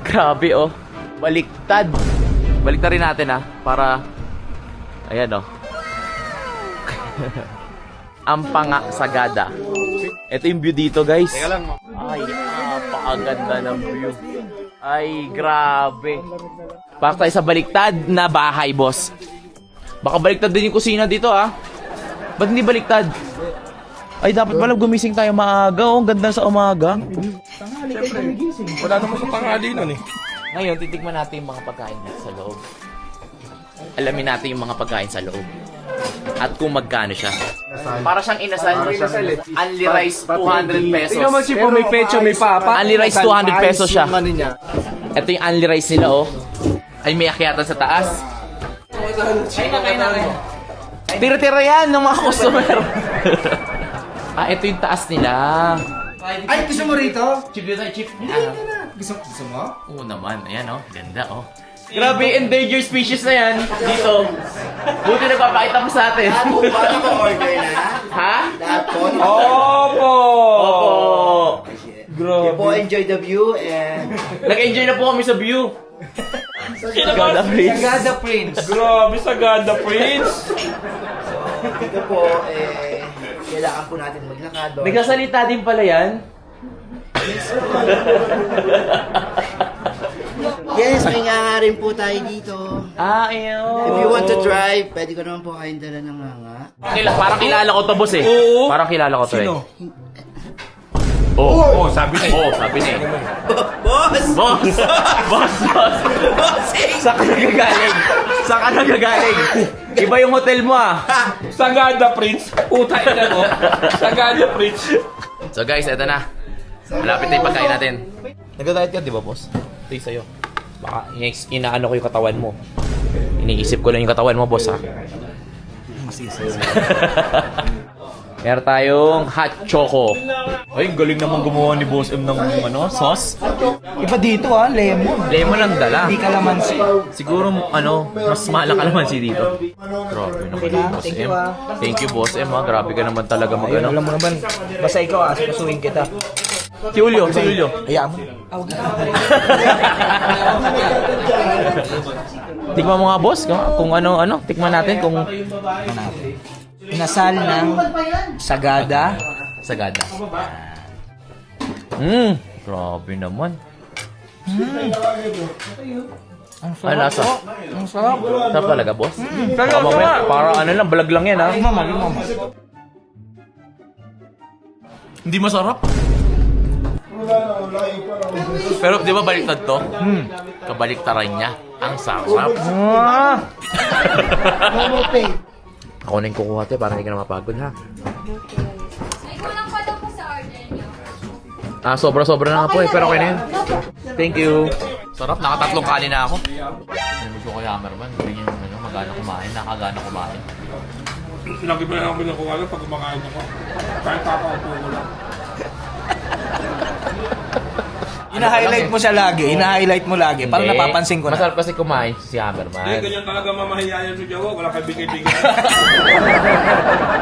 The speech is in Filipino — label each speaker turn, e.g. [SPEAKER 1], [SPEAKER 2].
[SPEAKER 1] Grabe oh. Baliktad. Baliktad rin natin ah. Para... Ayan oh. Ang Pangasagada. Ito yung view dito guys. Ay, napakaganda ng view. Ay, grabe. Para tayo sa baliktad na bahay, boss. Baka baliktad din yung kusina dito ah. Ba't hindi baliktad? Ay, dapat pala gumising tayo maaga. Oh, ang ganda sa umaga.
[SPEAKER 2] Wala naman sa tanghali nun eh.
[SPEAKER 1] Ngayon, titigman natin yung mga pagkain dito sa loob. Alamin natin yung mga pagkain sa loob. At kung magkano siya. Para siyang inasal. Only rice, 200 pesos.
[SPEAKER 2] Tingnan mo si po may pecho, may papa.
[SPEAKER 1] Only rice, 200 pesos siya. Ito yung only rice nila oh. Ay, may akyatan sa taas. Kaya na. Tira-tira yan ng mga customer. Ito yung taas nila.
[SPEAKER 3] Ay, gusto mo rito?
[SPEAKER 1] Chip dito tayo, chip.
[SPEAKER 3] Gusto mo?
[SPEAKER 1] Oo naman, ayan oh. Ganda oh. Grabe, endangered species na yan dito. Buti nagpapakita mo sa atin.
[SPEAKER 3] Paano mo order na?
[SPEAKER 1] Ha?
[SPEAKER 3] Lahat po.
[SPEAKER 2] Opo!
[SPEAKER 1] Opo.
[SPEAKER 3] You po enjoy the view and...
[SPEAKER 1] Nag-enjoy na po kami sa view. Sagada Prince.
[SPEAKER 3] Sagada Prince.
[SPEAKER 2] Grabe, Sagada Prince!
[SPEAKER 3] Dito po, kailangan po natin maglakad.
[SPEAKER 1] Nagsasalita din pala yan.
[SPEAKER 3] Yes, may nga rin po tayo dito.
[SPEAKER 1] Ayaw.
[SPEAKER 3] If you want to drive, pwede ko naman po kayong dala ng nga.
[SPEAKER 1] Parang kilala ko to, boss eh.
[SPEAKER 2] Oo.
[SPEAKER 1] Parang kilala ko to
[SPEAKER 2] Sino?
[SPEAKER 1] eh. Oh,
[SPEAKER 2] sabi na
[SPEAKER 1] oh, sabi niya.
[SPEAKER 3] Boss!
[SPEAKER 1] Boss! Boss! Boss!
[SPEAKER 3] Bossing!
[SPEAKER 1] Saan ka nagagaling? Saan ka nagagaling? Iba yung hotel mo ah.
[SPEAKER 2] Sagada Prince! Puta ina ko! Sagada Prince!
[SPEAKER 1] So guys, eto na. Malapit na yung pagkain natin. Nag-diet ka, di ba, boss? Ito yung sa'yo. Baka inaano ko yung katawan mo. Iniisip ko lang yung katawan mo, boss, ha? Meron tayong hot choco. Ay, galing naman gumawa ni Boss M ng sauce.
[SPEAKER 3] Iba dito lemon.
[SPEAKER 1] Lemon ang dala.
[SPEAKER 3] Hindi kalamansi.
[SPEAKER 1] Siguro, mas mahal ang kalamansi dito. Grabe naman yung Boss M. Thank you, Boss M, ha? Grabe ka naman talaga mag-ano.
[SPEAKER 3] Alam mo naman, basta ikaw pasuhin kita.
[SPEAKER 1] Si Julio, si Julio.
[SPEAKER 3] Hayaan mo.
[SPEAKER 1] Tikman mo nga, boss, kung ano, tikman natin kung...
[SPEAKER 3] Inasal ng Sagada.
[SPEAKER 1] Sagada. Grabe naman.
[SPEAKER 3] Ang
[SPEAKER 1] Ay, lasa.
[SPEAKER 3] Ang sarap.
[SPEAKER 1] Sarap talaga, boss. Baka mamaya, para ano lang, balag lang yan, ha?
[SPEAKER 3] Mama.
[SPEAKER 1] Hindi masarap. Pero di ba baliktad to? Kabaliktaran niya. Ang sarap. Ako na yung kukuha te para hindi ka na mapagod ha.
[SPEAKER 4] Ay, kulang pa daw po sa order niyo.
[SPEAKER 1] Sobra-sobra na nga po eh. Pero okay na yun. Thank you. Sarap. Nakatatlong kanin na ako. Gusto ko Hammerman. Hindi yung magana kumain. Nakagana kumain.
[SPEAKER 2] Lagi ba naman nakuha lang pag kumakain ako? Kahit papaupo ko lang.
[SPEAKER 3] Ina-highlight mo siya lagi. Ina-highlight mo lagi. Para
[SPEAKER 1] Hindi.
[SPEAKER 3] napapansin ko na.
[SPEAKER 1] Masarap kasi kumain si Hammerman.
[SPEAKER 2] Ganyan talaga mamahiyayan sa Jawa. Wala kang bigay-bigay.